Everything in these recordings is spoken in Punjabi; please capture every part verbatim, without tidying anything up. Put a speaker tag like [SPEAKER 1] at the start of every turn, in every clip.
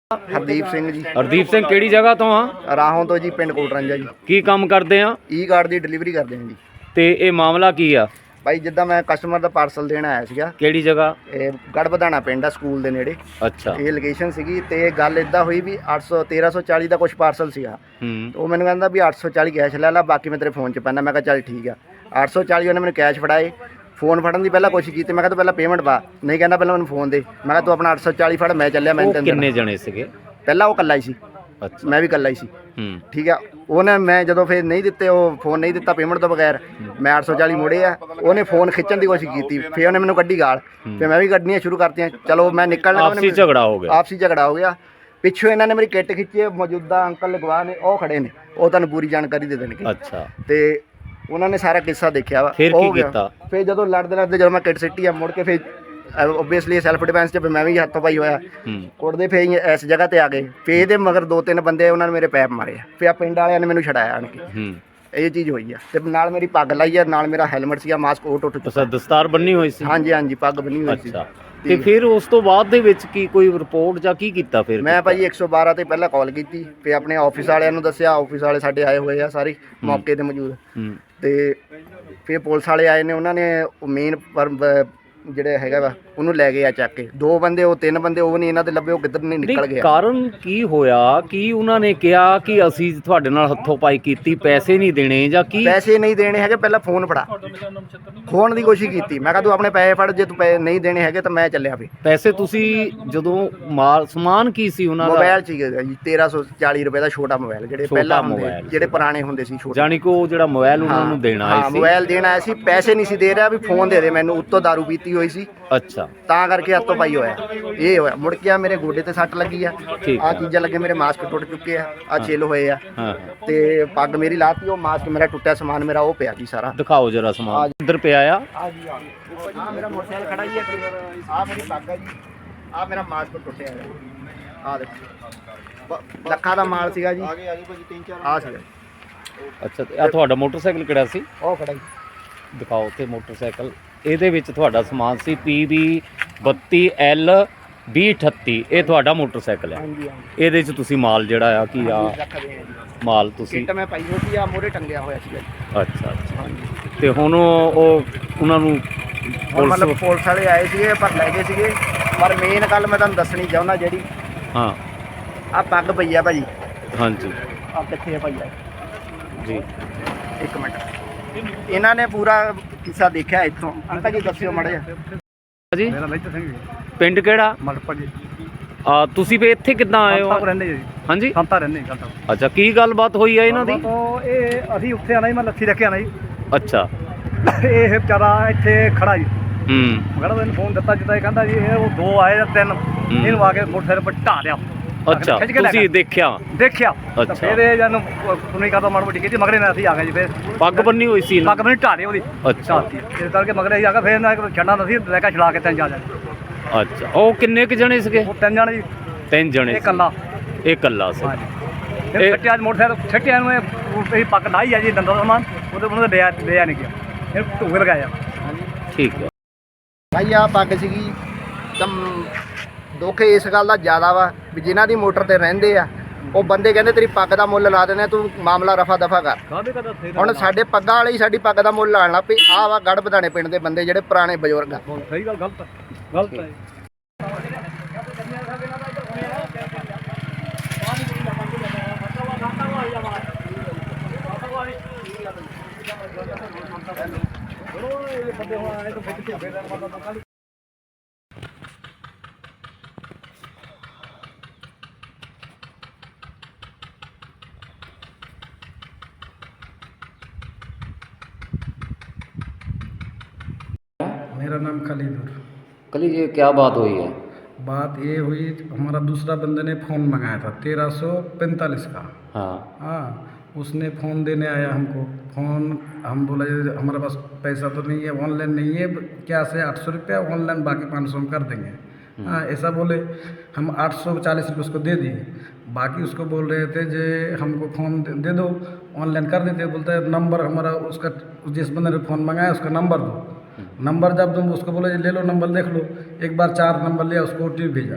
[SPEAKER 1] ਹਰਦੀਪ ਸਿੰਘ ਜੀ।
[SPEAKER 2] ਹਰਦੀਪ ਸਿੰਘ ਕਿਹੜੀ ਜਗ੍ਹਾ ਤੋਂ ਆ?
[SPEAKER 1] ਰਾਹੋਂ ਤੋਂ ਜੀ, ਪਿੰਡ ਕੋਟਰੰਜਾ ਜੀ।
[SPEAKER 2] ਕੀ ਕੰਮ ਕਰਦੇ ਆ?
[SPEAKER 1] ਈ ਕਾਰਡ ਦੀ ਡਿਲੀਵਰੀ ਕਰਦੇ ਹਾਂ ਜੀ।
[SPEAKER 2] ਤੇ ਇਹ ਮਾਮਲਾ ਕੀ ਆ?
[SPEAKER 1] ਭਾਈ ਜਿੱਦਾਂ ਮੈਂ ਕਸਟਮਰ ਦਾ ਪਾਰਸਲ ਦੇਣ ਆਇਆ ਸੀਗਾ।
[SPEAKER 2] ਕਿਹੜੀ ਜਗ੍ਹਾ?
[SPEAKER 1] ਇਹ ਗੜਬਧਾਣਾ ਪਿੰਡ ਆ, ਸਕੂਲ ਦੇ ਨੇੜੇ।
[SPEAKER 2] ਅੱਛਾ।
[SPEAKER 1] ਇਹ ਲੋਕੇਸ਼ਨ ਸੀਗੀ ਤੇ ਗੱਲ ਇਦਾਂ ਹੋਈ ਵੀ ਅੱਠ ਸੌ ਤੇਰਾਂ ਸੌ ਚਾਲੀ ਦਾ ਕੁਝ ਪਾਰਸਲ ਸੀਗਾ।
[SPEAKER 2] ਹੂੰ।
[SPEAKER 1] ਉਹ ਮੈਨੂੰ ਕਹਿੰਦਾ ਵੀ ਅੱਠ ਸੌ ਚਾਲੀ ਕੈਸ਼ ਲੈ ਲਾ, ਬਾਕੀ ਮੈਂ ਤੇਰੇ ਫੋਨ 'ਚ ਪੈਣਾ। ਮੈਂ ਕਿਹਾ ਚੱਲ ਠੀਕ ਆ। ਅੱਠ ਸੌ ਚਾਲੀ ਉਹਨੇ ਮੈਨੂੰ ਕੈਸ਼ ਫੜਾਏ। ਫੋਨ ਫੜਨ ਦੀ ਪਹਿਲਾਂ ਕੋਸ਼ਿਸ਼ ਕੀਤੀ। ਮੈਂ ਕਿਹਾ ਤੂੰ ਪਹਿਲਾਂ ਪੇਮੈਂਟ ਪਾ। ਨਹੀਂ, ਕਹਿੰਦਾ ਪਹਿਲਾਂ ਮੈਨੂੰ ਫੋਨ ਦੇ। ਮੈਂ ਕਿਹਾ ਤੂੰ ਆਪਣਾ ਅੱਠ ਸੌ ਚਾਲੀ ਫੜ, ਮੈਂ ਚੱਲਿਆ। ਮੈਂ
[SPEAKER 2] ਉਹ
[SPEAKER 1] ਤੈਨੂੰ
[SPEAKER 2] ਕਿੰਨੇ ਜਣੇ ਸੀਗੇ?
[SPEAKER 1] ਪਹਿਲਾਂ ਉਹ ਇਕੱਲਾ ਹੀ ਸੀ,
[SPEAKER 2] ਅੱਛਾ।
[SPEAKER 1] ਮੈਂ ਵੀ ਇਕੱਲਾ ਹੀ ਸੀ।
[SPEAKER 2] ਹੂੰ।
[SPEAKER 1] ਠੀਕ ਆ। ਉਹਨੇ ਮੈਂ ਜਦੋਂ ਫਿਰ ਨਹੀਂ ਦਿੱਤੇ, ਉਹ ਫੋਨ ਨਹੀਂ ਦਿੱਤਾ ਪੇਮੈਂਟ ਤੋਂ ਬਗੈਰ, ਮੈਂ ਅੱਠ ਸੌ ਚਾਲੀ ਮੋੜੇ ਆ। ਉਹਨੇ ਫੋਨ ਖਿੱਚਣ ਦੀ ਕੋਸ਼ਿਸ਼ ਕੀਤੀ, ਫਿਰ ਉਹਨੇ ਮੈਨੂੰ ਕੱਢੀ ਗਾਲ। ਫਿਰ ਮੈਂ ਵੀ ਕੱਢਣੀਆਂ ਸ਼ੁਰੂ ਕਰਤੀਆਂ। ਚਲੋ ਮੈਂ ਨਿਕਲ ਲੱਗਾ।
[SPEAKER 2] ਆਪਸੀ ਝਗੜਾ ਹੋ ਗਿਆ।
[SPEAKER 1] ਆਪਸੀ ਝਗੜਾ ਹੋ ਗਿਆ। ਪਿੱਛੋਂ ਇਹਨਾਂ ਨੇ ਮੇਰੀ ਕਿੱਟ ਖਿੱਚੀ ਹੈ। ਮੌਜੂਦਾ ਅੰਕਲ ਲਗਵਾ ਨੇ ਉਹ ਖੜੇ ਨੇ, ਉਹ ਤੁਹਾਨੂੰ ਪੂਰੀ ਜਾਣਕਾਰੀ ਦੇ ਦੇਣਗੇ।
[SPEAKER 2] ਅੱਛਾ।
[SPEAKER 1] ਤੇ ਉਹਨਾਂ ਨੇ ਸਾਰਾ ਕਿੱਸਾ ਦੇਖਿਆ ਵਾ।
[SPEAKER 2] ਫਿਰ ਕੀ ਕੀਤਾ?
[SPEAKER 1] ਫਿਰ ਜਦੋਂ ਲੜਦੇ ਲੜਦੇ ਜਦੋਂ ਮੈਂ ਕਿੱਟ ਸਿੱਟੀ ਆ, ਮੁੜ ਕੇ ਫਿਰ ਓਬਵੀਅਸਲੀ ਸੈਲਫ ਡਿਫੈਂਸ 'ਚ ਮੈਂ ਵੀ ਹੱਥੋਂ ਪਾਈ ਹੋਇਆ। ਕੁੱਟਦੇ ਫਿਰ ਇਸ ਜਗ੍ਹਾ ਤੇ ਆ ਗਏ। ਫਿਰ ਇਹਦੇ ਮਗਰ ਦੋ ਤਿੰਨ ਬੰਦੇ, ਉਹਨਾਂ ਨੇ ਮੇਰੇ ਪੈਪ ਮਾਰੇ ਆ। ਫਿਰ ਆ ਪਿੰਡ ਵਾਲਿਆਂ ਨੇ ਮੈਨੂੰ ਛਡਾਇਆ ਆਣ ਕੇ। ਇਹ ਚੀਜ਼ ਹੋਈ ਆ। ਤੇ ਨਾਲ ਮੇਰੀ ਪੱਗ ਲਾਈ ਆ, ਨਾਲ ਮੇਰਾ ਹੈਲਮਟ ਸੀਗਾ, ਮਾਸਕ ਉਹ ਟੁੱਟ ਚੁੱਕਾ।
[SPEAKER 2] ਦਸਤਾਰ ਬੰਨੀ ਹੋਈ ਸੀ?
[SPEAKER 1] ਹਾਂਜੀ ਹਾਂਜੀ, ਪੱਗ ਬੰਨੀ ਹੋਈ ਸੀ।
[SPEAKER 2] ਅੱਛਾ। ਤੇ ਫਿਰ ਉਸ ਤੋਂ ਬਾਅਦ ਦੇ ਵਿੱਚ ਕੀ ਕੋਈ ਰਿਪੋਰਟ ਜਾਂ ਕੀ ਕੀਤਾ ਫਿਰ?
[SPEAKER 1] ਮੈਂ ਭਾਜੀ ਇੱਕ ਸੌ ਬਾਰਾਂ ਤੇ ਪਹਿਲਾਂ ਕਾਲ ਕੀਤੀ, ਫਿਰ ਆਪਣੇ ਆਫਿਸ ਵਾਲਿਆਂ ਨੂੰ ਦੱਸਿਆ। ਆਫਿਸ ਵਾਲੇ ਸਾਡੇ ਆਏ ਹੋਏ ਆ ਸਾਰੇ ਮੌਕੇ ਤੇ ਮੌਜੂਦ। ਤੇ ਫਿਰ ਪੁਲਿਸ ਵਾਲੇ ਆਏ ਨੇ, ਉਹਨਾਂ ਨੇ ਮੇਨ ਜਿਹੜੇ ਹੈਗਾ ਵਾ ਉਹਨੂੰ ਲੈ ਗਏ ਆ ਚੱਕ ਕੇ। ਦੋ ਬੰਦੇ, ਉਹ ਤਿੰਨ ਬੰਦੇ ਉਹ ਨਹੀਂ ਇਹਨਾਂ ਦੇ ਲੱਭੇ, ਉਹ ਕਿੱਧਰ ਨਹੀਂ ਨਿਕਲ ਗਏ।
[SPEAKER 2] ਕਾਰਨ ਕੀ ਹੋਇਆ? ਕੀ ਉਹਨਾਂ ਨੇ ਕਿਹਾ ਕਿ ਅਸੀਂ ਤੁਹਾਡੇ ਨਾਲ ਹੱਥੋਂ ਪਾਈ ਕੀਤੀ, ਪੈਸੇ ਨਹੀਂ ਦੇਣੇ ਜਾਂ ਕੀ?
[SPEAKER 1] ਪੈਸੇ ਨਹੀਂ ਦੇਣੇ ਹੈਗੇ। ਪਹਿਲਾਂ ਫੋਨ ਫੜਾ, ਖੋਣ ਦੀ ਕੋਸ਼ਿਸ਼ ਕੀਤੀ। ਮੈਂ ਕਿਹਾ ਤੂੰ ਆਪਣੇ ਪੈਸੇ ਫੜ, ਜੇ ਤੂੰ ਪੈਸੇ ਨਹੀਂ ਦੇਣੇ ਹੈਗੇ ਤਾਂ ਮੈਂ ਚੱਲਿਆ। ਫਿਰ
[SPEAKER 2] ਪੈਸੇ ਤੁਸੀਂ ਜਦੋਂ ਮਾਲ ਸਮਾਨ ਕੀ ਸੀ ਉਹਨਾਂ ਦਾ?
[SPEAKER 1] ਮੋਬਾਈਲ ਸੀਗਾ ਜੀ, ਤੇਰਾਂ ਸੌ ਚਾਲੀ ਰੁਪਏ ਦਾ ਛੋਟਾ ਮੋਬਾਈਲ, ਜਿਹੜੇ ਪਹਿਲਾਂ ਹੁੰਦੇ, ਜਿਹੜੇ ਪੁਰਾਣੇ ਹੁੰਦੇ ਸੀ ਛੋਟੇ।
[SPEAKER 2] ਜਾਨੀ ਕਿ ਉਹ ਜਿਹੜਾ ਮੋਬਾਈਲ ਉਹਨਾਂ ਨੂੰ ਦੇਣਾ ਆਇਆ ਸੀ?
[SPEAKER 1] ਮੋਬਾਈਲ ਦੇਣਾ ਆਇਆ ਸੀ, ਪੈਸੇ ਨਹੀਂ ਸੀ ਦੇ ਰਿਹਾ, ਵੀ ਫੋਨ ਦੇ ਦੇ ਮੈਨੂੰ। ਉੱਤੋਂ ਦਾਰੂ ਪੀਤੀ ਹੋਈ ਸੀ।
[SPEAKER 2] ਅੱਛਾ।
[SPEAKER 1] ਤਾਂ ਕਰਕੇ ਹੱਥੋਂ ਪਾਈ ਹੋਇਆ ਇਹ ਹੋਇਆ। ਮੁੜ ਕੇ ਆ ਮੇਰੇ ਗੋਡੇ ਤੇ ਸੱਟ ਲੱਗੀ ਆ, ਆ ਚੀਜ਼ਾਂ ਲੱਗੇ, ਮੇਰੇ ਮਾਸਕ ਟੁੱਟ ਚੁੱਕੇ ਆ, ਆ ਛਿੱਲ ਹੋਏ ਆ। ਤੇ ਪੱਗ ਮੇਰੀ ਲਾਤੀ, ਉਹ ਮਾਸਕ ਮੇਰਾ ਟੁੱਟਿਆ, ਸਮਾਨ ਮੇਰਾ ਉਹ ਪਿਆ ਜੀ ਸਾਰਾ।
[SPEAKER 2] ਦਿਖਾਓ ਜਰਾ ਸਮਾਨ ਇੱਧਰ ਪਿਆ ਆ।
[SPEAKER 1] ਆ ਜੀ ਆ ਆ ਮੇਰਾ ਮੋਟਰਸਾਈਕਲ ਖੜਾ ਜੀ, ਆ ਮੇਰੀ ਪੱਗ ਆ ਜੀ, ਆ ਮੇਰਾ ਮਾਸਕ ਟੁੱਟਿਆ ਹੈ। ਆ ਦੇਖੋ, ਲੱਖਾਂ ਦਾ ਮਾਲ ਸੀਗਾ ਜੀ। ਆ ਗਏ ਆ ਗਏ ਭਾਜੀ, ਤਿੰਨ ਚਾਰ ਆ ਸੀਗਾ।
[SPEAKER 2] ਅੱਛਾ। ਤੇ ਆ ਤੁਹਾਡਾ ਮੋਟਰਸਾਈਕਲ ਕਿਹੜਾ ਸੀ?
[SPEAKER 1] ਉਹ ਖੜਾ ਜੀ।
[SPEAKER 2] ਦਿਖਾਓ ਤੇ ਮੋਟਰਸਾਈਕਲ। ਇਹਦੇ ਵਿੱਚ ਤੁਹਾਡਾ ਸਮਾਨ ਸੀ ਪੀ ਬੀ ਬੱਤੀ ਐਲ ਵੀਹ ਅਠੱਤੀ। ਇਹ ਤੁਹਾਡਾ ਮੋਟਰਸਾਈਕਲ ਹੈ?
[SPEAKER 1] ਹਾਂਜੀ ਹਾਂਜੀ।
[SPEAKER 2] ਇਹਦੇ 'ਚ ਤੁਸੀਂ ਮਾਲ ਜਿਹੜਾ ਆ ਕੀ ਆ ਮਾਲ ਤੁਸੀਂ?
[SPEAKER 1] ਕਿੱਟ ਮੈਂ ਪਾਈ ਹੋਈ ਸੀ, ਆ ਮੋਰੇ ਟੰਗਿਆ ਹੋਇਆ ਸੀਗਾ ਜੀ।
[SPEAKER 2] ਅੱਛਾ ਅੱਛਾ। ਤੇ ਹੁਣ ਉਹ ਉਹਨਾਂ ਨੂੰ
[SPEAKER 1] ਮਤਲਬ ਪੁਲਿਸ ਵਾਲੇ ਆਏ ਸੀਗੇ, ਪਰ ਲੈ ਗਏ ਸੀਗੇ। ਪਰ ਮੇਨ ਗੱਲ ਮੈਂ ਤੁਹਾਨੂੰ ਦੱਸਣੀ ਚਾਹੁੰਦਾ, ਜਿਹੜੀ
[SPEAKER 2] ਹਾਂ
[SPEAKER 1] ਆ ਪੱਗ ਪਈ ਆ ਭਾਜੀ।
[SPEAKER 2] ਹਾਂਜੀ।
[SPEAKER 1] ਆ ਕਿੱਥੇ ਆ ਭਾਈ
[SPEAKER 2] ਜੀ?
[SPEAKER 1] ਇੱਕ ਮਿੰਟ, ਇਹਨਾਂ ਨੇ ਪੂਰਾ ਕਿੱਸਾ ਦੇਖਿਆ ਇੱਥੋਂ। ਅੰਕਲ ਜੀ ਦੱਸਿਓ ਮਾੜਾ ਜਿਹਾ
[SPEAKER 2] ਜੀ।
[SPEAKER 1] ਮੇਰਾ ਮਹਿਤ ਸਿੰਘ ਜੀ।
[SPEAKER 2] ਪਿੰਡ ਕਿਹੜਾ?
[SPEAKER 1] ਮਲਪਾ ਜੀ।
[SPEAKER 2] ਆ ਤੁਸੀਂ ਵੀ ਇੱਥੇ ਕਿੱਦਾਂ ਆਏ ਹੋ?
[SPEAKER 1] ਰਹਿੰਦੇ ਜੀ।
[SPEAKER 2] ਹਾਂਜੀ,
[SPEAKER 1] ਸੰਤਾ ਰਹਿੰਦੇ ਜੀ।
[SPEAKER 2] ਅੱਛਾ। ਕੀ ਗੱਲਬਾਤ ਹੋਈ ਆ ਇਹਨਾਂ ਦੀ?
[SPEAKER 1] ਇਹ ਅਸੀਂ ਉੱਥੇ ਆਣਾ ਜੀ, ਮੈਂ ਲੱਸੀ ਲੈ ਕੇ ਆਣਾ ਜੀ।
[SPEAKER 2] ਅੱਛਾ।
[SPEAKER 1] ਇਹ ਵਿਚਾਰਾ ਇੱਥੇ ਖੜਾ ਜੀ।
[SPEAKER 2] ਹੂੰ।
[SPEAKER 1] ਮਗਰ ਇਹਨੂੰ ਫੋਨ ਦਿੱਤਾ, ਜਿੱਦਾਂ ਇਹ ਕਹਿੰਦਾ ਜੀ ਇਹ ਉਹ ਦੋ ਆਏ ਜਾਂ ਤਿੰਨ, ਇਹਨੂੰ ਆ ਕੇ ਮੋਟਰਸਾਈਕਲ ਪਰ ਢਾ ਲਿਆ।
[SPEAKER 2] ਅੱਛਾ। ਤੁਸੀਂ ਦੇਖਿਆ?
[SPEAKER 1] ਦੇਖਿਆ।
[SPEAKER 2] ਅੱਛਾ।
[SPEAKER 1] ਫਿਰ ਇਹ ਜਾਨੂੰ ਸੁਣੀ ਕਰਦਾ ਮਾੜੀ ਮੋਟੀ ਕੀਤੀ, ਮਗਰੇ ਨਾਲ ਅਸੀਂ ਆ ਗਏ ਜੀ। ਫਿਰ
[SPEAKER 2] ਪੱਗ ਬੰਨੀ ਹੋਈ ਸੀ?
[SPEAKER 1] ਪੱਗ ਬੰਨੀ ਢਾ ਲਈ ਉਹਦੀ।
[SPEAKER 2] ਅੱਛਾ।
[SPEAKER 1] ਇਸ ਕਰਕੇ ਮਗਰੇ ਅਸੀਂ ਆ ਗਏ। ਫਿਰ ਨਾ ਛੱਡਣਾ ਨਹੀਂ ਸੀ, ਲੈ ਕੇ ਛੜਾ ਕੇ ਤਿੰਨ ਜਾ ਜਾਣੇ।
[SPEAKER 2] ਅੱਛਾ। ਉਹ ਕਿੰਨੇ ਕੁ ਜਣੇ ਸੀਗੇ?
[SPEAKER 1] ਉਹ ਤਿੰਨ ਜਾਣੇ ਜੀ।
[SPEAKER 2] ਤਿੰਨ ਜਣੇ?
[SPEAKER 1] ਇਹ ਇਕੱਲਾ।
[SPEAKER 2] ਇਹ ਇਕੱਲਾ ਸੀ?
[SPEAKER 1] ਹਾਂਜੀ। ਫਿਰ ਛੱਟਿਆ ਮੋਟਰਸਾਈਕਲ, ਛੱਟਿਆ ਨੂੰ ਇਹ ਪੱਗ ਲਾਈ ਆ ਜੀ, ਦੰਦਾਂ ਦਾ ਸਮਾਨ ਉਹਦੇ ਉਹਨਾਂ ਦੇ ਲਿਆ ਲਿਆ ਨਹੀਂ ਗਿਆ। ਇਹ ਢੂਗੇ ਲਗਾਇਆ।
[SPEAKER 2] ਠੀਕ ਹੈ
[SPEAKER 1] ਭਾਈ। ਆ ਪੱਗ ਸੀਗੀ ਤਾਂ ਦੁੱਖ ਇਸ ਗੱਲ ਦਾ ਜ਼ਿਆਦਾ ਵਾ ਵੀ ਜਿਨ੍ਹਾਂ ਦੀ ਮੋਟਰ ਤੇ ਰਹਿੰਦੇ ਆ, ਉਹ ਬੰਦੇ ਕਹਿੰਦੇ ਤੇਰੀ ਪੱਗ ਦਾ ਮੁੱਲ ਲਾ ਦਿੰਦੇ, ਤੂੰ ਮਾਮਲਾ ਰਫਾ ਦਫਾ ਕਰ। ਹੁਣ ਸਾਡੇ ਪੱਗਾਂ ਵਾਲੇ ਹੀ ਸਾਡੀ ਪੱਗ ਦਾ ਮੁੱਲ ਲਾਣ ਲੱਗ ਪਏ। ਆਹ ਵਾ ਗੜਬਧਾਣੇ ਪਿੰਡ ਦੇ ਬੰਦੇ, ਜਿਹੜੇ ਪੁਰਾਣੇ ਬਜ਼ੁਰਗ ਆ।
[SPEAKER 3] ਸਹੀ ਗੱਲ, ਗਲਤ ਗਲਤ ਹੈ।
[SPEAKER 4] मेरा नाम खालिदुर।
[SPEAKER 2] कली जी, क्या बात हुई है?
[SPEAKER 4] बात ये हुई, हमारा दूसरा बंदे ने फ़ोन मंगाया था तेरह सौ पैंतालीस का।
[SPEAKER 2] हाँ
[SPEAKER 4] हाँ, उसने फ़ोन देने आया हमको। फ़ोन हम बोला हमारे पास पैसा तो नहीं है, ऑनलाइन नहीं है, क्या से आठ सौ रुपया ऑनलाइन, बाकी पाँच सौ हम कर देंगे। हाँ, ऐसा बोले। हम आठ सौ चालीस रुपये उसको दे दिए। बाकी उसको बोल रहे थे जे हमको फ़ोन दे दो, ऑनलाइन कर देते। बोलता है नंबर हमारा, उसका जिस बंदे ने फ़ोन मंगाया उसका नंबर दो। नंबर जब तुम उसको बोले ले लो नंबर, देख लो। एक बार चार नंबर लिया, उसको ओ टी पी भेजा।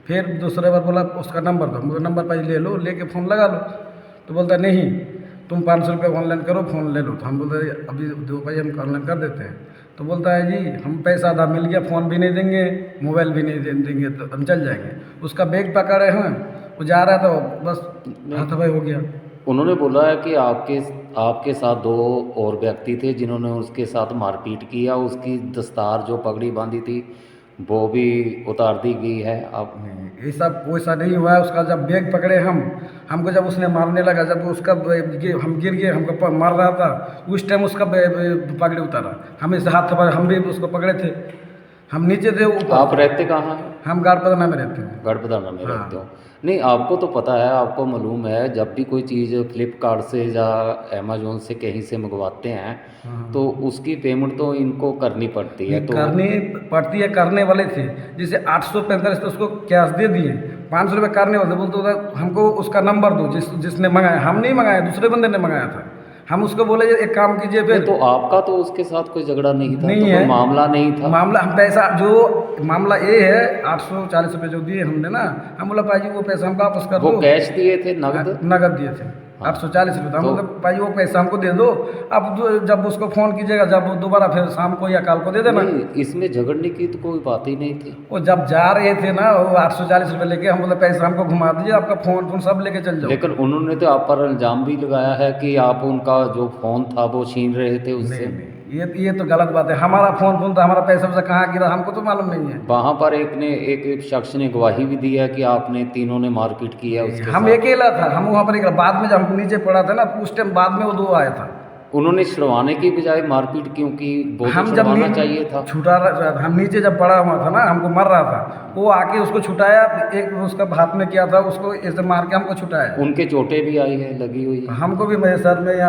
[SPEAKER 4] फिर दूसरे बार बोला उसका नंबर दो, मुझे नंबर भाई ले लो, लेके फ़ोन लगा लो। तो बोलता नहीं तुम पाँच सौ रुपये ऑनलाइन करो, फ़ोन ले लो। तो हम बोलते अभी दो भाई हम ऑनलाइन कर देते हैं। तो बोलता है जी हम पैसा आधा मिल गया, फ़ोन भी नहीं देंगे, मोबाइल भी नहीं दे- देंगे, तो हम चल जाएंगे। उसका बैग पकड़े हैं, वो जा रहा था, बस हाथापाई हो गया।
[SPEAKER 2] उन्होंने बोला है कि आपके आपके साथ दो और व्यक्ति थे जिन्होंने उसके साथ मारपीट किया, उसकी दस्तार जो पगड़ी बांधी थी वो भी उतार दी गई है। आप
[SPEAKER 4] नहीं, ऐसा वैसा नहीं हुआ है। उसका जब बैग पकड़े हम हमको जब उसने मारने लगा, जब उसका ब- गिर- हम गिर गए, हमको प- मार रहा था, उस टाइम उसका ब- ब- पगड़ी उतारा। हम इस हाथ पर हम भी उसको पकड़े थे, हम नीचे थे ऊपर।
[SPEAKER 2] आप रहते कहाँ हैं?
[SPEAKER 4] हम गाड़पदना में रहते हैं।
[SPEAKER 2] गढ़पदाना में
[SPEAKER 4] हाँ।
[SPEAKER 2] रहते हो? नहीं, आपको तो पता है, आपको मालूम है जब भी कोई चीज़ फ्लिपकार्ट से या अमेजोन से कहीं से मंगवाते हैं
[SPEAKER 4] हाँ।
[SPEAKER 2] तो उसकी पेमेंट तो इनको करनी पड़ती है। तो
[SPEAKER 4] करनी पड़ती है, करने वाले थे। जैसे आठ सौ पैंतालीस तो उसको कैश दे दिए, पाँच सौ रुपये करने वाले बोलते होता हमको उसका नंबर दो जिस जिसने मंगाया। हम नहीं मंगाया, दूसरे बंदे ने मंगाया था। हम उसको बोले ये एक काम कीजिए फिर।
[SPEAKER 2] तो आपका तो उसके साथ कोई झगड़ा नहीं था?
[SPEAKER 4] नहीं
[SPEAKER 2] तो
[SPEAKER 4] है।
[SPEAKER 2] कोई मामला नहीं था?
[SPEAKER 4] मामला हम पैसा जो मामला ये है आठ सौ चालीस रुपये जो दिए हमने ना, हम बोला भाई जी वो पैसा हमको वापस कर
[SPEAKER 2] वो
[SPEAKER 4] दो।
[SPEAKER 2] कैश दिए थे नगद?
[SPEAKER 4] नगद दिए थे आठ सौ चालीस रुपये। हम
[SPEAKER 2] तो-
[SPEAKER 4] बोले भाई वो पैसा हमको दे दो, अब जो- जब उसको फ़ोन कीजिएगा जब वो दोबारा फिर शाम को या कल को दे देना।
[SPEAKER 2] नहीं, इसमें झगड़ने की तो कोई बात ही नहीं थी।
[SPEAKER 4] वो जब जा रहे थे ना वो आठ सौ चालीस रुपये लेके, हम बोले पैसा हमको घुमा दीजिए, आपका फ़ोन फोन सब लेके चल जाओ।
[SPEAKER 2] लेकिन उन्होंने तो आप पर इल्ज़ाम भी लगाया है कि आप उनका जो फ़ोन था वो छीन रहे थे उससे।
[SPEAKER 4] नहीं, नहीं, ये ये तो गलत बात है। हमारा फ़ोन फोन था, हमारा पैसा वैसा कहाँ गिरा हमको तो मालूम नहीं है।
[SPEAKER 2] वहाँ पर एक ने एक एक शख्स ने गवाही भी दी है कि आपने तीनों ने मारपीट की है उसके
[SPEAKER 4] हम
[SPEAKER 2] साथ।
[SPEAKER 4] अकेला था, हम वहाँ पर एक बाद में जब हम नीचे पड़ा था ना उस टाइम बाद में वो दो आया था।
[SPEAKER 2] उन्होंने छुड़वाने की बजाय मारपीट क्यों की? वो तो
[SPEAKER 4] हम जब
[SPEAKER 2] छुड़वाना
[SPEAKER 4] नी-
[SPEAKER 2] चाहिए था।
[SPEAKER 4] छुटा रहा- हम नीचे जब पड़ा हुआ था ना, हमको मर रहा था, वो आके उसको छुटाया, एक उसका हाथ में किया था, उसको ऐसे मार के हमको छुटाया।
[SPEAKER 2] उनके चोटें भी आई है, लगी हुई है।
[SPEAKER 4] हमको भी मेरे सर में यहाँ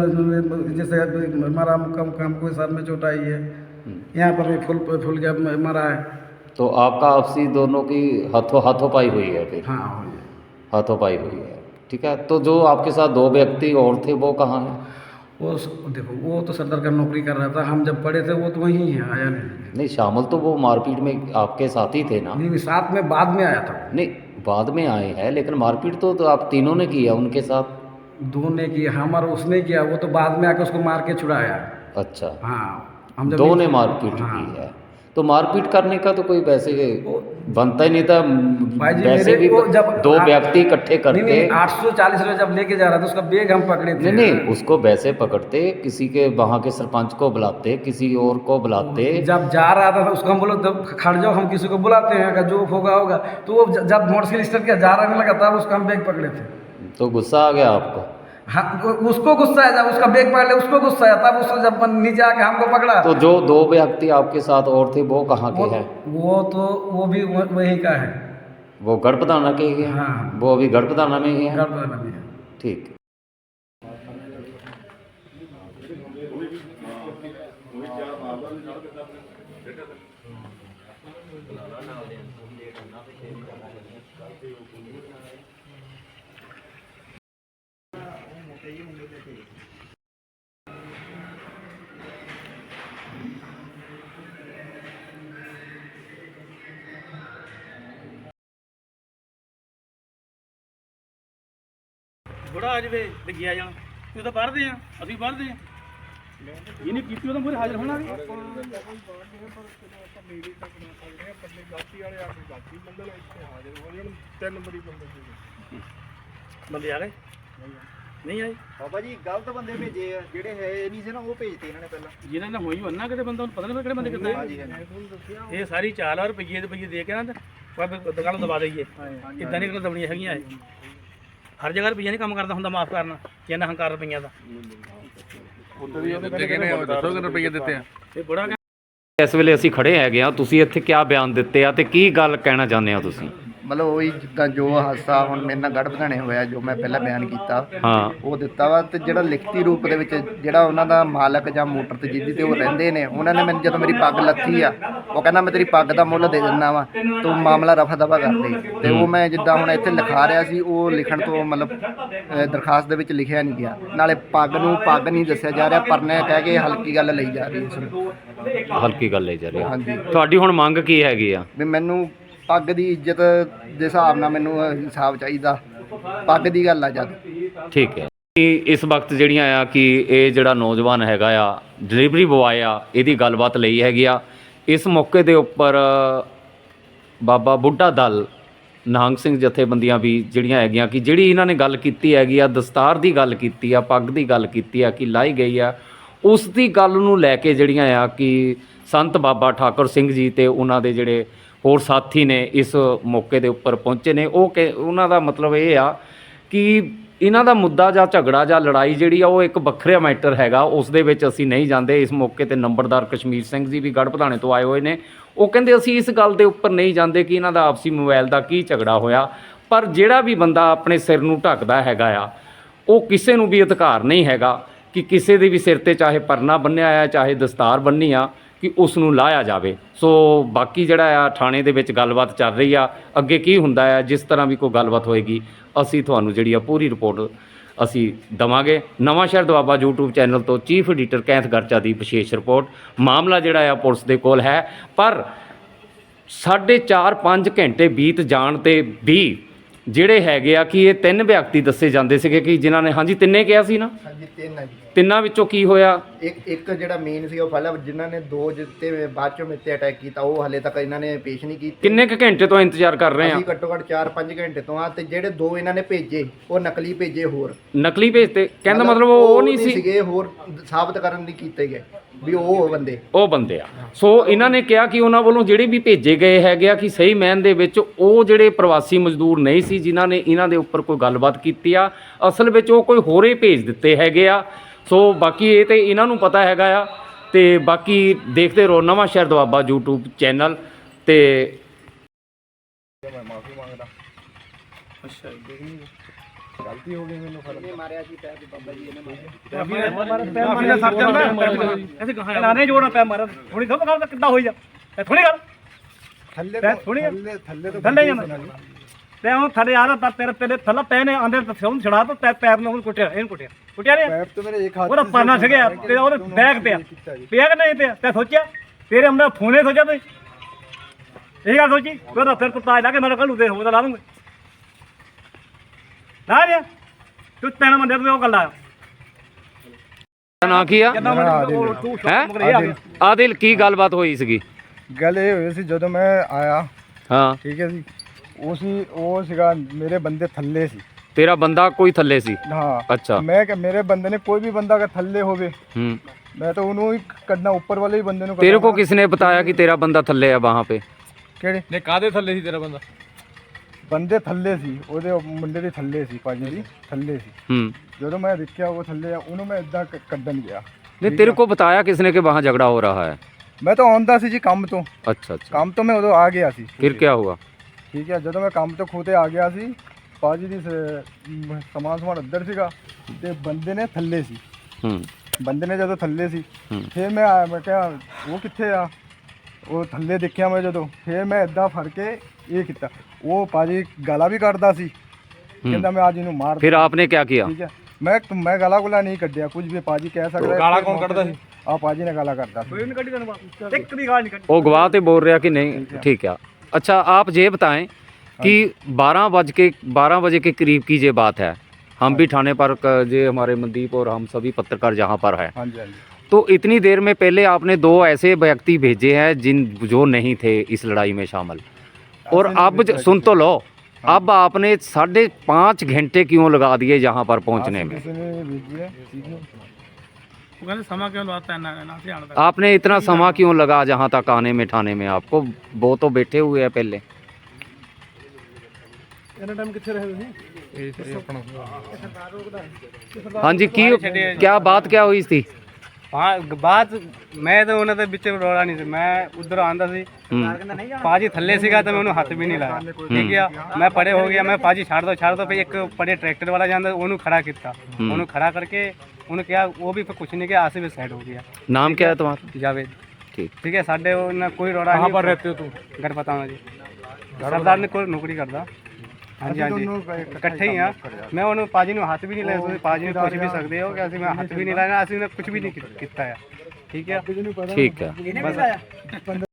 [SPEAKER 4] पर जैसे मरा मुक्का मुक्का हमको सर में चोट आई है, यहाँ पर भी फूल फूल गया मरा है।
[SPEAKER 2] तो आपका आपसी दोनों की हाथों हाथों-पाई हुई है फिर?
[SPEAKER 4] हाँ हो गया।
[SPEAKER 2] हाथों-पाई हुई है, ठीक है। तो जो आपके साथ दो व्यक्ति और थे वो कहाँ हैं?
[SPEAKER 4] वो स- देखो वो तो सरदार का नौकरी कर रहा था, हम जब पढ़े थे वो तो वहीं है, आया नहीं।
[SPEAKER 2] नहीं, शामिल तो वो मारपीट में आपके साथ ही थे ना?
[SPEAKER 4] नहीं साथ में बाद में आया था।
[SPEAKER 2] नहीं, बाद में आए हैं लेकिन मारपीट तो, तो आप तीनों ने किया उनके साथ?
[SPEAKER 4] दो ने किया, हम और उसने किया, वो तो बाद में आके उसको मार के छुड़ाया।
[SPEAKER 2] अच्छा,
[SPEAKER 4] हाँ हम जब
[SPEAKER 2] दो ने
[SPEAKER 4] नीचे-
[SPEAKER 2] मारपीट
[SPEAKER 4] हाँ।
[SPEAKER 2] की है। तो मारपीट करने का तो कोई वैसे बनता ही नहीं था।
[SPEAKER 4] भाई जी
[SPEAKER 2] वैसे
[SPEAKER 4] मेरे
[SPEAKER 2] भी
[SPEAKER 4] को जब
[SPEAKER 2] दो
[SPEAKER 4] आ-
[SPEAKER 2] व्यक्ति इकट्ठे
[SPEAKER 4] नहीं
[SPEAKER 2] करते।
[SPEAKER 4] नहीं आठ सौ चालीस रुपये जब लेके जा रहा था उसका बैग हम पकड़े थे।
[SPEAKER 2] नहीं नहीं, उसको वैसे पकड़ते, किसी के वहाँ के सरपंच को बुलाते, किसी और को बुलाते।
[SPEAKER 4] जब जा रहा था तो उसको हम बोलो जब खड़ जाओ, हम किसी को बुलाते हैं, अगर जो होगा होगा। तो वो ज- जब मोटरसाइकिल स्टार्ट किया जा रहा लगा तब उसका हम बैग पकड़े थे।
[SPEAKER 2] तो गुस्सा आ गया आपको?
[SPEAKER 4] हाँ वो- उसको गुस्सा है, जब उसका बैग पकड़ लिया उसको गुस्सा है, तब उसको जब नीचे आके हमको पकड़ा।
[SPEAKER 2] तो जो दो व्यक्ति आपके साथ और थे वो कहाँ के
[SPEAKER 4] वो,
[SPEAKER 2] हैं?
[SPEAKER 4] वो तो वो भी वह- वहीं का है।
[SPEAKER 2] वो गढ़पदाना के ही हैं?
[SPEAKER 4] हाँ।
[SPEAKER 2] वो अभी गढ़पदाना में ही हैं?
[SPEAKER 4] गढ़पदाना में है।
[SPEAKER 2] ठीक।
[SPEAKER 3] ਬੁੜਾ ਆ ਜਵੇ ਤੇ ਗਿਆ ਜਾਣ, ਤੂੰ ਤਾਂ ਪੜ੍ਹਦੇ ਆ, ਅਸੀਂ ਪੜ੍ਹਦੇ ਆ, ਜਿਹਨੇ ਕੀਤੀ ਉਹ ਤਾਂ ਮੂਹਰੇ ਹਾਜ਼ਰ ਹੋਣਾ ਵੀ। ਬੰਦੇ ਆ ਗਏ ਨਹੀਂ ਆਏ?
[SPEAKER 1] ਬਾਬਾ ਜੀ ਗਲਤ ਬੰਦੇ ਭੇਜੇ ਆ, ਜਿਹੜੇ ਹੈ ਨਹੀਂ ਸੀ ਨਾ ਉਹ ਭੇਜਤੇ ਇਹਨਾਂ ਨੇ ਪਹਿਲਾਂ।
[SPEAKER 3] ਜਿਹਨਾਂ ਨਾਲ ਹੋਈ ਹੋਣਾ ਕਿਤੇ ਬੰਦਾ, ਉਹਨੂੰ ਪਤਾ ਨਹੀਂ ਕਿਹੜੇ ਬੰਦੇ ਕਿੱਦਾਂ ਆ। ਇਹ ਸਾਰੀ ਚਾਲ ਆ, ਰੁਪਈਏ ਦੇ ਰੁਪਈਏ ਦੇ ਕੇ ਨਾ ਪਰ ਦੁਕਾਨ ਨੂੰ ਦਬਾ ਦਈਏ, ਇਦਾਂ ਨਹੀਂ ਗੱਲ ਦਬਣੀਆਂ ਹੈਗੀਆਂ ਇਹ। ਹਰ ਜਗ੍ਹਾ ਰੁਪਈਆ ਨਹੀਂ ਕੰਮ ਕਰਦਾ ਹੁੰਦਾ ਮਾਫ ਕਰਨਾ, ਕਿੰਨਾ ਹੰਕਾਰ ਰੁਪਈਆਂ ਦਾ। ਇਹ ਬੁੜਾ
[SPEAKER 2] ਇਸ ਵੇਲੇ ਅਸੀਂ ਖੜੇ ਹੈਗੇ ਆ, ਤੁਸੀਂ ਇੱਥੇ ਕੀ ਬਿਆਨ ਦਿੱਤੇ ਆ ਤੇ ਕੀ ਗੱਲ ਕਹਿਣਾ ਚਾਹੁੰਦੇ ਆ ਤੁਸੀਂ?
[SPEAKER 1] ਮਤਲਬ ਉਹੀ ਜਿੱਦਾਂ ਜੋ ਹਾਦਸਾ ਹੁਣ ਮੇਰੇ ਨਾਲ ਗੜਬਧਾਣੇ ਹੋਇਆ, ਜੋ ਮੈਂ ਪਹਿਲਾਂ ਬਿਆਨ ਕੀਤਾ
[SPEAKER 2] ਹਾਂ,
[SPEAKER 1] ਉਹ ਦਿੱਤਾ ਵਾ। ਤੇ ਜਿਹੜਾ ਲਿਖਤੀ ਰੂਪ ਦੇ ਵਿੱਚ ਜਿਹੜਾ ਉਹਨਾਂ ਦਾ ਮਾਲਕ ਜਾਂ ਮੋਟਰ ਤੇ ਜਿਹਦੀ ਤੇ ਉਹ ਰਹਿੰਦੇ ਨੇ, ਉਹਨਾਂ ਨੇ ਮੈਨੂੰ ਜਦੋਂ ਮੇਰੀ ਪੱਗ ਲੱਥੀ ਆ, ਉਹ ਕਹਿੰਦਾ ਮੈਂ ਤੇਰੀ ਪੱਗ ਦਾ ਮੁੱਲ ਦੇ ਦਿੰਦਾ ਵਾ, ਤੂੰ ਮਾਮਲਾ ਰਫਾ ਦਫਾ ਕਰ ਦੇ। ਤੇ ਉਹ ਮੈਂ ਜਿੱਦਾਂ ਹੁਣ ਇੱਥੇ ਲਿਖਾ ਰਿਹਾ ਸੀ, ਉਹ ਲਿਖਣ ਤੋਂ ਮਤਲਬ ਅਹ, ਦਰਖਾਸਤ ਦੇ ਵਿੱਚ ਲਿਖਿਆ ਨਹੀਂ ਗਿਆ। ਨਾਲੇ ਪੱਗ ਨੂੰ ਪੱਗ ਨਹੀਂ ਦੱਸਿਆ ਜਾ ਰਿਹਾ, ਪਰਨੇ ਕਹਿ ਕੇ ਹਲਕੀ ਗੱਲ ਲਈ ਜਾ ਰਹੀ ਉਸ ਨੂੰ।
[SPEAKER 2] ਹਲਕੀ ਗੱਲ ਹੈ ਜਰੇ।
[SPEAKER 1] ਹਾਂਜੀ,
[SPEAKER 2] ਤੁਹਾਡੀ ਹੁਣ ਮੰਗ ਕੀ ਹੈਗੀ ਆ?
[SPEAKER 1] ਵੀ ਮੈਨੂੰ ਪੱਗ ਦੀ ਇੱਜ਼ਤ ਦੇ ਹਿਸਾਬ ਨਾਲ ਮੈਨੂੰ ਹਿਸਾਬ ਚਾਹੀਦਾ, ਪੱਗ ਦੀ ਗੱਲ ਆ ਜਦ।
[SPEAKER 2] ਠੀਕ ਹੈ। ਕਿ ਇਸ ਵਕਤ ਜਿਹੜੀਆਂ ਆ ਕਿ ਇਹ ਜਿਹੜਾ ਨੌਜਵਾਨ ਹੈਗਾ ਆ ਡਿਲੀਵਰੀ ਬੁਆਏ ਆ, ਇਹਦੀ ਗੱਲਬਾਤ ਲਈ ਹੈਗੀ ਆ। ਇਸ ਮੌਕੇ ਦੇ ਉੱਪਰ ਬਾਬਾ ਬੁੱਢਾ ਦਲ ਨਿਹੰਗ ਸਿੰਘ ਜਥੇਬੰਦੀਆਂ ਵੀ ਜਿਹੜੀਆਂ ਹੈਗੀਆਂ ਕਿ ਜਿਹੜੀ ਇਹਨਾਂ ਨੇ ਗੱਲ ਕੀਤੀ ਹੈਗੀ ਆ, ਦਸਤਾਰ ਦੀ ਗੱਲ ਕੀਤੀ ਆ, ਪੱਗ ਦੀ ਗੱਲ ਕੀਤੀ ਆ ਕਿ ਲਾਈ ਗਈ ਆ, ਉਸ ਦੀ ਗੱਲ ਨੂੰ ਲੈ ਕੇ ਜਿਹੜੀਆਂ ਆ ਕਿ ਸੰਤ ਬਾਬਾ ਠਾਕੁਰ ਸਿੰਘ ਜੀ ਤੇ ਉਹਨਾਂ ਦੇ ਜਿਹੜੇ ਹੋਰ ਸਾਥੀ ਨੇ ਇਸ ਮੌਕੇ ਦੇ ਉੱਪਰ ਪਹੁੰਚੇ ਨੇ। ਉਹ ਕਿ ਉਹਨਾਂ ਦਾ ਮਤਲਬ ਇਹ ਆ ਕਿ ਇਹਨਾਂ ਦਾ ਮੁੱਦਾ ਜਾਂ ਝਗੜਾ ਜਾਂ ਲੜਾਈ ਜਿਹੜੀ ਆ ਉਹ ਇੱਕ ਵੱਖਰਾ ਮੈਟਰ ਹੈਗਾ, ਉਸ ਦੇ ਵਿੱਚ ਅਸੀਂ ਨਹੀਂ ਜਾਂਦੇ। ਇਸ ਮੌਕੇ ਤੇ ਨੰਬਰਦਾਰ ਕਸ਼ਮੀਰ ਸਿੰਘ ਜੀ ਵੀ ਗੜ੍ਹ ਪਧਾਣੇ ਤੋਂ ਆਏ ਹੋਏ ਨੇ। ਉਹ ਕਹਿੰਦੇ ਅਸੀਂ ਇਸ ਗੱਲ ਦੇ ਉੱਪਰ ਨਹੀਂ ਜਾਂਦੇ ਕਿ ਇਹਨਾਂ ਦਾ ਆਪਸੀ ਮੋਬਾਈਲ ਦਾ ਕੀ ਝਗੜਾ ਹੋਇਆ, ਪਰ ਜਿਹੜਾ ਵੀ ਬੰਦਾ ਆਪਣੇ ਸਿਰ ਨੂੰ ਢੱਕਦਾ ਹੈਗਾ ਆ, ਉਹ ਕਿਸੇ ਨੂੰ ਵੀ ਅਧਿਕਾਰ ਨਹੀਂ ਹੈਗਾ ਕਿ ਕਿਸੇ ਦੇ ਵੀ ਸਿਰ ਤੇ ਚਾਹੇ ਪਰਨਾ ਬੰਨਿਆ ਆ, ਚਾਹੇ ਦਸਤਾਰ ਬੰਨੀ ਆ, ਕਿ ਉਸ ਨੂੰ ਲਾਇਆ ਜਾਵੇ। ਸੋ ਬਾਕੀ ਜਿਹੜਾ ਆ ਥਾਣੇ ਦੇ ਵਿੱਚ ਗੱਲਬਾਤ ਚੱਲ ਰਹੀ ਆ, ਅੱਗੇ ਕੀ ਹੁੰਦਾ ਆ, ਜਿਸ ਤਰ੍ਹਾਂ ਵੀ ਕੋਈ ਗੱਲਬਾਤ ਹੋਏਗੀ ਅਸੀਂ ਤੁਹਾਨੂੰ ਜਿਹੜੀ ਆ ਪੂਰੀ ਰਿਪੋਰਟ ਅਸੀਂ ਦਵਾਂਗੇ। Nawanshahr Doaba YouTube channel ਤੋਂ ਚੀਫ ਐਡੀਟਰ ਕੈਂਥ ਗਰਚਾ ਦੀ ਵਿਸ਼ੇਸ਼ ਰਿਪੋਰਟ। ਮਾਮਲਾ ਜਿਹੜਾ ਆ ਪੁਲਿਸ ਦੇ ਕੋਲ ਹੈ, ਪਰ ਸਾਢੇ ਚਾਰ ਪੰਜ ਘੰਟੇ ਬੀਤ ਜਾਣ ਤੇ ਵੀ ਜਿਹੜੇ ਹੈਗੇ ਆ ਕਿ ਇਹ ਤਿੰਨ ਵਿਅਕਤੀ ਦੱਸੇ ਜਾਂਦੇ ਸੀਗੇ ਕਿ ਜਿਨ੍ਹਾਂ ਨੇ, ਹਾਂਜੀ ਤਿੰਨੇ ਕਿਹਾ ਸੀ ਨਾ,
[SPEAKER 1] ਹਾਂਜੀ ਤਿੰਨ ਆ ਜੀ।
[SPEAKER 2] ਤਿੰਨਾਂ ਵਿੱਚੋਂ ਕੀ ਹੋਇਆ?
[SPEAKER 1] ਇੱਕ ਇੱਕ ਜਿਹੜਾ ਮੇਨ ਸੀ ਉਹ ਪਹਿਲਾਂ ਜਿਨ੍ਹਾਂ ਨੇ ਦੋ ਜਿੱਤੇ ਬਾਅਦ ਚੋਂ ਮੇਰੇ ਤੇ ਅਟੈਕ ਕੀਤਾ, ਉਹ ਹਲੇ ਤੱਕ ਇਹਨਾਂ ਨੇ ਪੇਸ਼ ਨਹੀਂ ਕੀਤੀ।
[SPEAKER 2] ਕਿੰਨੇ ਕੁ ਘੰਟੇ ਤੋਂ ਇੰਤਜ਼ਾਰ ਕਰ ਰਹੇ ਆ?
[SPEAKER 1] ਅਸੀਂ ਘੱਟੋ ਘੱਟ ਚਾਰ ਪੰਜ ਘੰਟੇ ਤੋਂ ਆ। ਤੇ ਜਿਹੜੇ ਦੋ ਇਹਨਾਂ ਨੇ ਭੇਜੇ ਉਹ ਨਕਲੀ ਭੇਜੇ, ਹੋਰ
[SPEAKER 2] ਨਕਲੀ ਭੇਜਤੇ ਕਹਿੰਦਾ ਮਤਲਬ ਉਹ ਨਹੀਂ ਸੀ
[SPEAKER 1] ਸੀਗੇ, ਹੋਰ ਸਾਬਤ ਕਰਨ ਲਈ ਕੀਤੇ ਗਏ ਵੀ ਉਹ ਬੰਦੇ
[SPEAKER 2] ਉਹ ਬੰਦੇ ਆ। ਸੋ ਇਹਨਾਂ ਨੇ ਕਿਹਾ ਕਿ ਉਹਨਾਂ ਵੱਲੋਂ ਜਿਹੜੇ ਵੀ ਭੇਜੇ ਗਏ ਹੈਗੇ ਆ ਕਿ ਸਹੀ ਮੈਨ ਦੇ ਵਿੱਚ ਉਹ ਜਿਹੜੇ ਪ੍ਰਵਾਸੀ ਮਜ਼ਦੂਰ ਨਹੀਂ ਸੀ ਜਿਨ੍ਹਾਂ ਨੇ ਇਹਨਾਂ ਦੇ ਉੱਪਰ ਕੋਈ ਗੱਲਬਾਤ ਕੀਤੀ ਆ, ਅਸਲ ਵਿੱਚ ਉਹ ਕੋਈ ਹੋਰੇ ਭੇਜ ਦਿੱਤੇ ਹੈਗੇ ਆ। ਸੋ ਬਾਕੀ ਇਹ ਤੇ ਇਹਨਾਂ ਨੂੰ ਪਤਾ ਹੈਗਾ ਆ। ਤੇ ਬਾਕੀ ਦੇਖਦੇ ਰਹੋ ਨਵਾਂ ਸ਼ਹਿਰ ਦੁਆਬਾ YouTube ਚੈਨਲ ਤੇ।
[SPEAKER 4] मैं माफी मांग रहा। अच्छा गलती हो गई मैंने फर्क
[SPEAKER 1] ਮਾਰਿਆ ਸੀ ਪੈਰ ਬਾਬਾ ਜੀ ਨੇ ਮਾਰਿਆ।
[SPEAKER 3] ਕਾਫੀ ਨੇ ਸਰ ਜਾਂਦਾ ਐਸੇ ਕਹਾਂ ਨਾਨੇ ਜੋੜਨਾ ਪੈ ਮਾਰਾ ਥੋੜੀ ਖਬ ਖਾ ਕਿੱਦਾਂ ਹੋਈ ਜਾ ਥੋੜੀ ਗੱਲ
[SPEAKER 4] थल्ले
[SPEAKER 3] पैर थोड़ी है।
[SPEAKER 4] थल्ले थल्ले तो
[SPEAKER 3] ਥੱਲੇ ਜਾਂਦਾ ਤੇ ਉਹ ਥੱਲੇ ਆ ਰਿਹਾ ਤੇਰੇ ਤੇਰੇ ਥੱਲੇ ਪੈ ਨੇ ਆਂਦੇ ਫਿਉਂ ਛੜਾ ਤਾ ਤੇ ਪੈਰ ਨੂੰ ਕੁੱਟਿਆ ਇਹਨੂੰ ਕੁੱਟਿਆ ਕੁੱਟਿਆ ਨਹੀਂ
[SPEAKER 4] पैर तो मेरे एक हाथ
[SPEAKER 3] ਉਹਦਾ ਪਾਨਾ ਛਗਿਆ ਤੇ ਉਹਦੇ ਬੈਗ ਪਿਆ ਪਿਆ ਕਿ ਨਹੀਂ ਪਿਆ ਤੇ ਸੋਚਿਆ ਤੇਰੇ ਅੰਦਰ ਫੋਨੇ ਸੋਚਿਆ ਤੂੰ ਇਹ ਗੱਲ ਸੋਚੀ ਉਹਦਾ ਫਿਰ ਤੂੰ ਤਾਜ ਲਾ ਕੇ ਮੇਰੇ ਕੱਲੂ ਦੇ ਹੋਦਾ ਲਾ ਦੂੰਗਾ ਨਾ ਰਿਹਾ ਤੂੰ ਤੈਨੂੰ ਮੰਦੇ ਤੂੰ ਉਹ ਗੱਲ ਆ
[SPEAKER 2] ਨਾ ਕੀ ਆ
[SPEAKER 3] ਜਦੋਂ ਮੈਂ ਤੂੰ
[SPEAKER 2] ਹੈ
[SPEAKER 3] ਮਗਰ ਇਹ ਆ ਗਿਆ
[SPEAKER 2] ਆਦਿਲ ਕੀ ਗੱਲਬਾਤ ਹੋਈ ਸੀਗੀ?
[SPEAKER 4] ਗੱਲ ਇਹ ਹੋਈ ਸੀ ਜਦੋਂ ਮੈਂ ਆਇਆ,
[SPEAKER 2] ਹਾਂ
[SPEAKER 4] ਠੀਕ ਹੈ ਜੀ, ਉਸੀ ਉਹ ਸੀਗਾ ਮੇਰੇ ਬੰਦੇ ਥੱਲੇ ਸੀ।
[SPEAKER 2] ਤੇਰਾ ਬੰਦਾ ਕੋਈ ਥੱਲੇ ਸੀ?
[SPEAKER 4] ਹਾਂ
[SPEAKER 2] ਅੱਛਾ।
[SPEAKER 4] ਮੈਂ ਕਿ ਮੇਰੇ ਬੰਦੇ ਨੇ ਕੋਈ ਵੀ ਬੰਦਾ ਅगर ਥੱਲੇ ਹੋਵੇ
[SPEAKER 2] ਹੂੰ
[SPEAKER 4] ਮੈਂ ਤਾਂ ਉਹਨੂੰ ਹੀ ਕੱਢਣਾ, ਉੱਪਰ ਵਾਲੇ ਹੀ ਬੰਦੇ ਨੂੰ
[SPEAKER 2] तेरे को किसने बताया कि तेरा बंदा थल्ले है वहाँ पे?
[SPEAKER 4] ਕਿਹੜੇ
[SPEAKER 3] ਨੇ ਕਾਦੇ ਥੱਲੇ ਸੀ ਤੇਰਾ ਬੰਦਾ
[SPEAKER 4] ਬੰਦੇ ਥੱਲੇ ਸੀ, ਉਹਦੇ ਮੁੰਡੇ ਦੇ ਥੱਲੇ ਸੀ, ਭਾਜੀ ਦੀ ਥੱਲੇ ਸੀ।
[SPEAKER 2] हम्म
[SPEAKER 4] ਜਦੋਂ ਮੈਂ ਦੇਖਿਆ ਉਹ ਥੱਲੇ ਆ, ਉਹਨੂੰ ਮੈਂ ਇਦਾਂ ਕੱਢਣ ਗਿਆ।
[SPEAKER 2] नहीं तेरे को बताया किसने कि वहाँ झगड़ा हो रहा है?
[SPEAKER 4] ਮੈਂ ਤਾਂ ਆਉਂਦਾ ਸੀ ਜੀ ਕੰਮ ਤੋਂ,
[SPEAKER 2] अच्छा अच्छा
[SPEAKER 4] ਕੰਮ ਤੋਂ ਮੈਂ ਉਦੋਂ ਆ ਗਿਆ ਸੀ।
[SPEAKER 2] फिर क्या हुआ?
[SPEAKER 4] ਠੀਕ ਹੈ, ਜਦੋਂ ਮੈਂ ਕੰਮ ਤੋਂ ਖੋਤੇ ਆ ਗਿਆ ਸੀ, ਭਾਜੀ ਦੀ ਸ- ਸਮਾਨ ਸਮਾਨ ਅੰਦਰ ਸੀਗਾ ਤੇ ਬੰਦੇ ਨੇ ਥੱਲੇ ਸੀ।
[SPEAKER 2] हम्म
[SPEAKER 4] ਬੰਦੇ ਨੇ ਜਦੋਂ ਥੱਲੇ ਸੀ
[SPEAKER 2] ਹੂੰ।
[SPEAKER 4] ਫਿਰ ਮੈਂ ਆਇਆ, ਮੈਂ ਕਿਹਾ ਉਹ ਕਿੱਥੇ ਆ? ਉਹ ਥੱਲੇ ਦੇਖਿਆ ਮੈਂ ਜਦੋਂ, ਫਿਰ ਮੈਂ ਇਦਾਂ ਫੜ ਕੇ ਇਹ ਕੀਤਾ। ਉਹ ਭਾਜੀ ਗਾਲਾਂ ਵੀ ਕੱਢਦਾ ਸੀ, ਕਹਿੰਦਾ ਮੈਂ ਅੱਜ ਇਹਨੂੰ ਮਾਰ
[SPEAKER 2] फिर आपने क्या किया?
[SPEAKER 4] ਠੀਕ ਹੈ, ਮੈਂ ਮੈਂ ਗਾਲਾਂ ਗੁਲਾ ਨਹੀਂ ਕੱਢਿਆ, ਕੁਝ ਵੀ ਭਾਜੀ ਕਹਿ ਸਕਦਾ।
[SPEAKER 3] ਗਾਲਾਂ ਕੌਣ ਕੱਢਦਾ ਸੀ?
[SPEAKER 4] ਆ ਭਾਜੀ ਨੇ ਗਾਲਾਂ ਕੱਢਦਾ ਸੀ।
[SPEAKER 3] ਕੋਈ ਨਹੀਂ ਕੱਢੀ ਤੈਨੂੰ ਬਾਤ ਇੱਕ ਦੀ ਗਾਲ ਨਹੀਂ ਕੱਢੀ
[SPEAKER 2] वो गवाह ते बोल रहा कि नहीं? ठीक है। अच्छा आप ये बताएं कि बारह बज के बारह बजे के करीब की ये बात है, हम भी थाने पर क- ये हमारे मनदीप और हम सभी पत्रकार जहाँ पर हैं,
[SPEAKER 4] हाँ जी हाँ जी।
[SPEAKER 2] तो इतनी देर में पहले आपने दो ऐसे व्यक्ति भेजे हैं जिन जो नहीं थे इस लड़ाई में शामिल, और अब ज- सुन तो लो, अब आपने साढ़े पाँच घंटे क्यों लगा दिए यहाँ पर पहुँचने में?
[SPEAKER 4] किसी ने भेजी है, ठीक है।
[SPEAKER 3] ਉਹ ਕਹਿੰਦੇ ਸਮਾਂ ਕਿਉਂ ਲਾਤਾ ਇੰਨਾ ਨਾ ਧਿਆਨ ਦਾ
[SPEAKER 2] आपने इतना समा क्यों लगा जहाँ तक आने में थाने में? आपको वो तो बैठे हुए हैं पहले।
[SPEAKER 3] ਇਹਨਾਂ ਟਾਈਮ ਕਿੱਥੇ ਰਹੇ ਤੁਸੀਂ
[SPEAKER 2] हाँ जी की क्या बात क्या हुई थी?
[SPEAKER 5] ਹਾਂ ਬਾਤ ਮੈਂ ਤਾਂ ਉਹਨਾਂ ਦੇ ਵਿੱਚ ਰੋਲਾ ਨਹੀਂ ਸੀ, ਮੈਂ ਉਧਰ ਆਂਦਾ ਸੀ, ਪਾਜੀ ਥੱਲੇ ਸੀਗਾ ਤਾਂ ਮੈਂ ਉਹਨੂੰ ਹੱਥ ਵੀ ਨਹੀਂ ਲਾਇਆ। ਠੀਕ ਆ, ਮੈਂ ਪਰੇ ਹੋ ਗਿਆ, ਮੈਂ ਪਾਜੀ ਛੱਡ ਦੋ ਛੱਡ ਦੋ, ਫਿਰ ਇੱਕ ਪਰੇ ਟਰੈਕਟਰ ਵਾਲਾ ਜਾਂਦਾ ਉਹਨੂੰ ਖੜਾ ਕੀਤਾ, ਉਹਨੂੰ ਖੜਾ ਕਰਕੇ ਉਹਨੂੰ ਕਿਹਾ, ਉਹ ਵੀ ਫਿਰ ਕੁਛ ਨਹੀਂ ਕਿਹਾ, ਆਸੇ ਵੀ ਸਾਈਡ ਹੋ ਗਿਆ।
[SPEAKER 2] नाम क्या है तुम्हारा?
[SPEAKER 5] ਜਾਵੇਦ
[SPEAKER 2] ठीक।
[SPEAKER 5] ਠੀਕ ਹੈ, ਸਾਡੇ ਉਹਨਾਂ ਕੋਈ ਰੋਲਾ ਨਹੀਂ।
[SPEAKER 3] ਕਹਾਂ ਪਰ ਰਹਤੇ ਹੋ ਤੂੰ?
[SPEAKER 5] ਘਰ ਪਤਾ ਜੀ ਸਰਦਾਰ ਨੇ ਕੋਈ ਨੌਕਰੀ ਕਰਦਾ। ਹਾਂਜੀ ਹਾਂਜੀ ਇਕੱਠੇ ਹੀ ਆ। ਮੈਂ ਉਹਨੂੰ ਪਾਜੀ ਨੂੰ ਹੱਥ ਵੀ ਨਹੀਂ ਲਾਇਆ, ਤੁਸੀਂ ਪਾਜੀ ਨੂੰ ਪੁੱਛ ਵੀ ਸਕਦੇ ਹੋ ਕਿ ਅਸੀਂ ਮੈਂ ਹੱਥ ਵੀ ਨਹੀਂ ਲਾਇਆ, ਅਸੀਂ ਨੇ ਕੁਝ ਵੀ ਨਹੀਂ ਕੀਤਾ ਹੈ। ਠੀਕ ਹੈ
[SPEAKER 2] ठीक है।
[SPEAKER 5] ਬਸ